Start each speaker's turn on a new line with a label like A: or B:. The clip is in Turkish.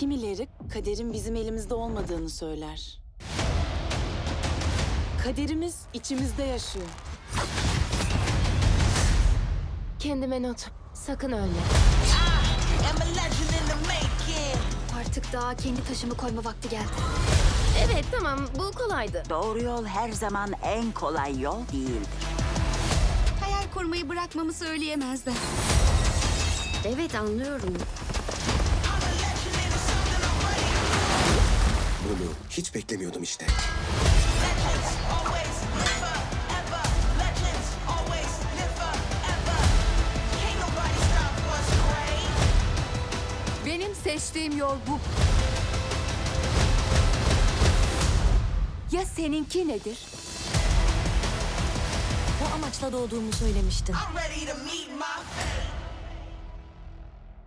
A: Kimileri kaderin bizim elimizde olmadığını söyler. Kaderimiz içimizde yaşıyor.
B: Kendime not. Sakın ölme.
C: Artık daha kendi taşımı koyma vakti geldi.
B: Evet tamam bu kolaydı.
D: Doğru yol her zaman en kolay yol değildir.
C: Hayal kurmayı bırakmamı söyleyemezler.
B: Evet anlıyorum.
E: Bunu hiç beklemiyordum işte.
C: Benim seçtiğim yol bu. Ya seninki nedir?
B: Bu amaçla doğduğumu söylemiştin.
F: I'm ready to meet my fate.